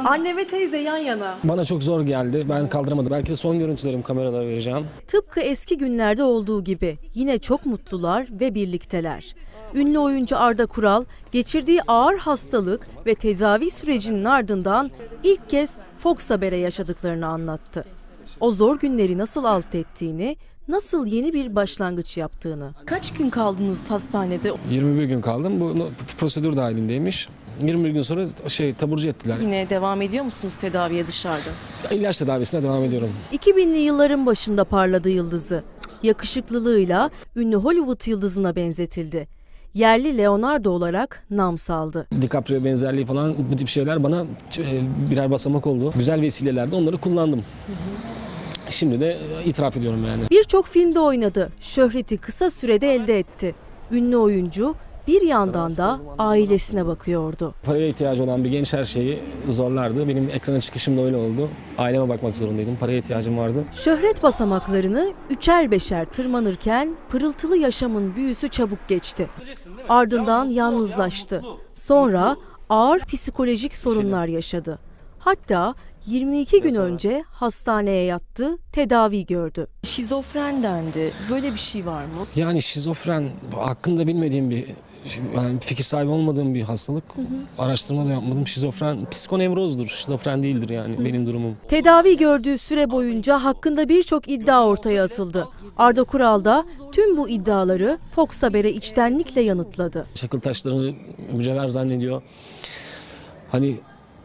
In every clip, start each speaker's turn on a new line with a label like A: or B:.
A: Anne ve teyze yan yana.
B: Bana çok zor geldi. Ben kaldıramadım. Belki de son görüntülerim kameralara vereceğim.
A: Tıpkı eski günlerde olduğu gibi yine çok mutlular ve birlikteler. Ünlü oyuncu Arda Kural geçirdiği ağır hastalık ve tedavi sürecinin ardından ilk kez Fox Haber'e yaşadıklarını anlattı. O zor günleri nasıl alt ettiğini, nasıl yeni bir başlangıç yaptığını. Kaç gün kaldınız hastanede?
B: 21 gün kaldım. Bu prosedür dahilindeymiş. 21 gün sonra taburcu ettiler.
A: Yine devam ediyor musunuz tedaviye dışarıda?
B: İlaç tedavisine devam ediyorum.
A: 2000'li yılların başında parladı yıldızı. Yakışıklılığıyla ünlü Hollywood yıldızına benzetildi. Yerli Leonardo olarak nam saldı.
B: DiCaprio benzerliği falan bu tip şeyler bana birer basamak oldu. Güzel vesilelerde onları kullandım. Şimdi de itiraf ediyorum yani.
A: Birçok filmde oynadı. Şöhreti kısa sürede elde etti. Ünlü oyuncu bir yandan da ailesine bakıyordu.
B: Paraya ihtiyacı olan bir genç her şeyi zorlardı. Benim ekrana çıkışım da öyle oldu. Aileme bakmak zorundaydım. Paraya ihtiyacım vardı.
A: Şöhret basamaklarını üçer beşer tırmanırken pırıltılı yaşamın büyüsü çabuk geçti. Ardından yalnızlaştı. Sonra ağır psikolojik sorunlar yaşadı. Hatta 22 gün önce hastaneye yattı, tedavi gördü. Şizofren dendi. Böyle bir şey var mı?
B: Yani şizofren hakkında bilmediğim bir, yani fikir sahibi olmadığım bir hastalık. Araştırma da yapmadım. Şizofren psikonevrozdur. Şizofren değildir yani benim durumum.
A: Tedavi gördüğü süre boyunca hakkında birçok iddia ortaya atıldı. Arda Kural da tüm bu iddiaları Fox Haber'e içtenlikle yanıtladı.
B: Çakıl taşlarını mücevher zannediyor. Hani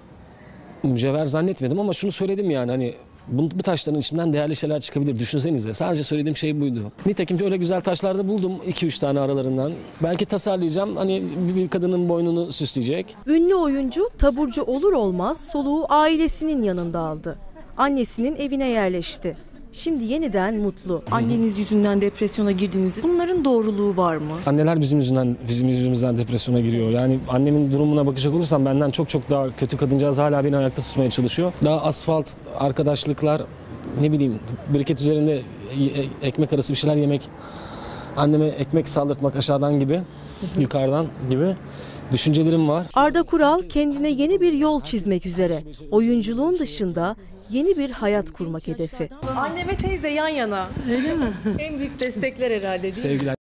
B: mücevher zannetmedim ama şunu söyledim yani hani bu taşların içinden değerli şeyler çıkabilir. Düşünsenize. Sadece söylediğim şey buydu. Nitekim öyle güzel taşlar da buldum 2-3 tane aralarından. Belki tasarlayacağım. Hani bir kadının boynunu süsleyecek.
A: Ünlü oyuncu taburcu olur olmaz soluğu ailesinin yanında aldı. Annesinin evine yerleşti. Şimdi yeniden mutlu. Anneniz yüzünden depresyona girdiniz. Bunların doğruluğu var mı?
B: Anneler bizim yüzümüzden depresyona giriyor. Yani annemin durumuna bakacak olursam benden çok daha kötü kadıncağız hala beni ayakta tutmaya çalışıyor. Daha asfalt, arkadaşlıklar, ne bileyim biriket üzerinde ekmek arası bir şeyler yemek, anneme ekmek saldırtmak aşağıdan gibi, yukarıdan gibi düşüncelerim var.
A: Arda Kural kendine yeni bir yol çizmek üzere. Oyunculuğun dışında yeni bir hayat kurmak hedefi. Anne ve teyze yan yana. Öyle mi? En büyük destekler herhalde değil mi?
B: Sevgiler.